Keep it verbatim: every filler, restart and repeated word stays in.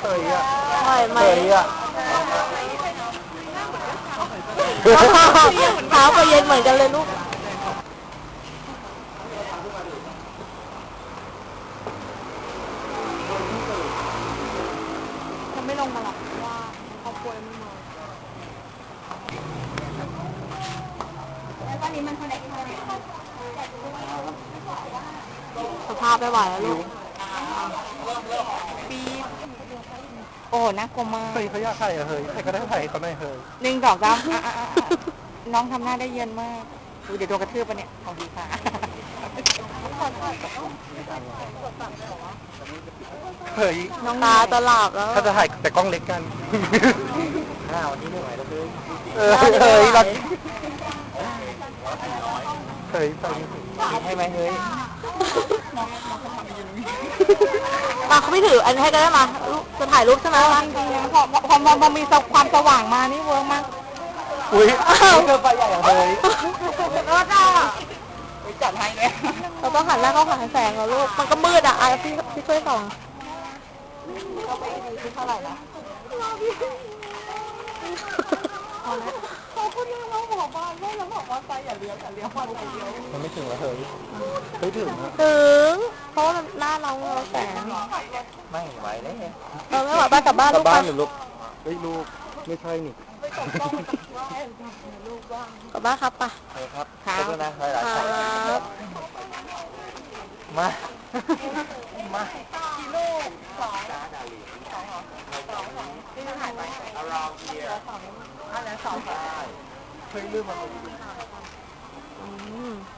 ยอ่ะไหวไหมเฮ้ยอ่ะเท้าก็เย็นเหมือนกันเลยลูกจะไม่ลงมาหรอกเพราะว่าครอบครัวไม่มาแล้วตอนนี้มันเท่าไหร่ที่เท่าไหร่สภาพไม่ไหวแล้วลูกปีโอ้น่ากลัวมากเฮ้ยเขาอยากถ่ายอะเฮ้ยใครก็ได้ถ่ายเขาหน่อยเฮ้ยหนึ่งดอกจ้าน้องทำหน้าได้เย็นมากดูเดี๋ยวโดนกระทืบปะเนี่ยของดีค่ะเฮ้ยน้องตาตลาบแล้วเขาจะถ่ายแต่กล้องเล็กกันหน้าวันนี้ไม่ไหวแล้วเลยเออเฮ้ยรักเฮ้ยตอนนี้ให้ไหมเฮ้ยมาเขาไม่ถืออันให้ก็ได้มาลูกจะถ่ายรูปใช่ไหมจริงๆพอพอพอพอมีความสว่างมานี่เวิร์กมากอุ้ยเกินไปใหญ่อย่างเฮ้ยรถอ่ะจัดให้เลยเราต้องหันหน้าเข้าหาแสงเหรอลูกมันก็มืดอ่ะอ่ะพี่พี่ช่วยส่องเขาไปดูที่เท่าไหร่นะเขาพูดเรื่องว่าหัวบ้านแม่แล้วบอกว่าไปอย่าเลี้ยวอย่าเลี้ยวมาอย่าเลี้ยวมันไม่ถึงแล้วเฮ้ยเฮ้ยถึงนะถึงเพราะว่าหน้าเราเราแสงไม่ไหวแล้วเออไม่ไหวบ้านกลับบ้านกลัลูบกบ้านไปหรือลูกเฮ้ยลูกไม่ใช่นี่กลับบ้านครับไปเฮ้ยครับครับขอบคุณนะหลายคๆสายรับมา มากี่ลูกสองสองสองที่ถ่ายไปเอาลองเดียวสองอันนั้นสองเฮ้ยลืมมันอืม